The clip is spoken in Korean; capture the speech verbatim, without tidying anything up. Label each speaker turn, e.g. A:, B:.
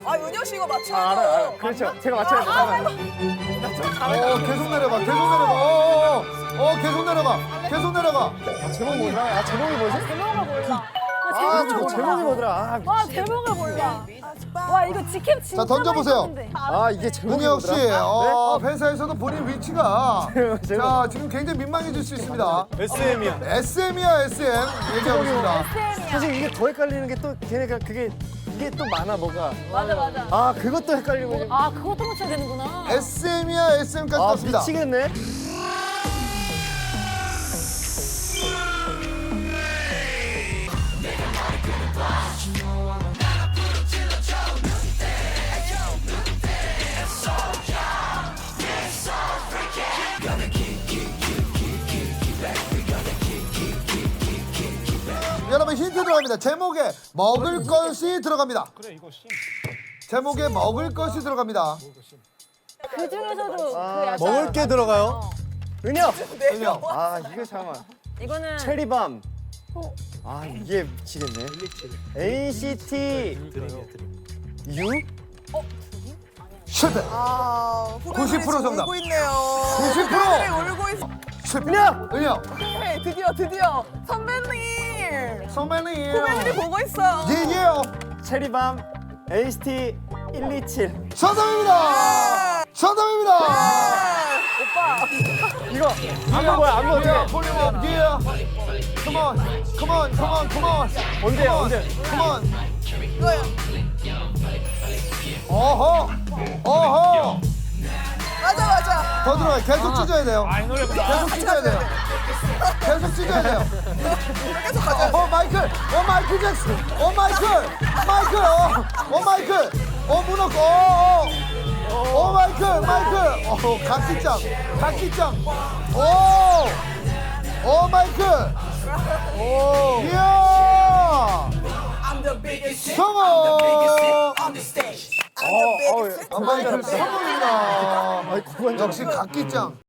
A: 아 은혁 씨 이거 맞춰야
B: 아, 알아요, 알아요.
A: 돼요.
B: 그렇죠. 제가 맞춰야죠. 잠깐만.
C: 어 계속 내려가 계속 내려가 어, 어, 어 계속 내려가 계속 내려가
B: 아, 제목 뭐더라? 아, 제목이 뭐지?
D: 제목을 몰라.
B: 아,
D: 제목을
B: 저
D: 몰라.
B: 제목이 뭐더라? 아,
D: 와 제목을 몰라. 와 이거 직캠 진짜
C: 자, 던져보세요.
D: 많이 썼는데.
B: 아 이게 제목이
C: 은혁 씨
B: 뭐더라?
C: 어, 회사에서도 본인 위치가
B: 제목.
C: 자 지금 굉장히 민망해질 수 있습니다
B: 에스엠이야.
C: 에스엠이야 에스엠 얘기하고 있습니다
B: 사실 이게 더 헷갈리는 게 또 걔네가 그게 이게 또 많아 뭐가.
D: 맞아 맞아.
B: 아 그것도 헷갈리고.
D: 아 그것도 맞춰야 되는구나.
C: 에스엠이야 에스엠까지
B: 아
C: 떴습니다
B: 미치겠네.
C: 여러분 힌트 들어갑니다 제목에 먹을 것이 들어갑니다 제목에 먹을 것이 들어갑니다
D: 그 중에서도
B: 아,
D: 그 약간
B: 먹을 게 들어가요? 은혁.
C: 은혁
B: 아 이거 잠깐만.
D: 이거는
B: 체리밤. 아 이게 미치겠네. 엔시티 U?
C: 실패
A: 아
C: 구십 퍼센트 정답.
A: 울고 있네요.
C: 구십 퍼센트.
A: 후배들이 울고 있어.
C: 실패
B: 은혁.
C: 은혁
A: 네, 드디어 드디어 선배님.
C: 선배님
A: 후배들이 보고 있어요.
C: 예예요
B: 체리밤 엔시티 일이칠.
C: 정답입니다 정답입니다
A: 오빠.
B: 이거 안 먹어요 안 먹어
C: Yeah,
B: 어떻게?
C: pull him up, yeah. Come on, come on, come on, come on.
B: 언제요 언제?
C: Come on.
A: 이거요.
C: 어허, 어허.
A: 맞아 맞아.
C: 더 들어가요. 계속 찢어야 돼요. 계속 찢어야 돼요. 계속 찢어야 돼요.
A: 계속 가자.
C: 어, 마이클, 어, 마이클 잭슨, 어, 마이클, 마이클, 어, 어, 마이클, 어, 문어, 어, 어, 어, 마이클, 마이클, 어, 각기짱, 각기짱, 오, 어, 마이클, 오, 이야, 성공.
B: 어, 어,
C: 아, 마이클 성공입니다.
B: 아이 그건
C: 역시 각기짱.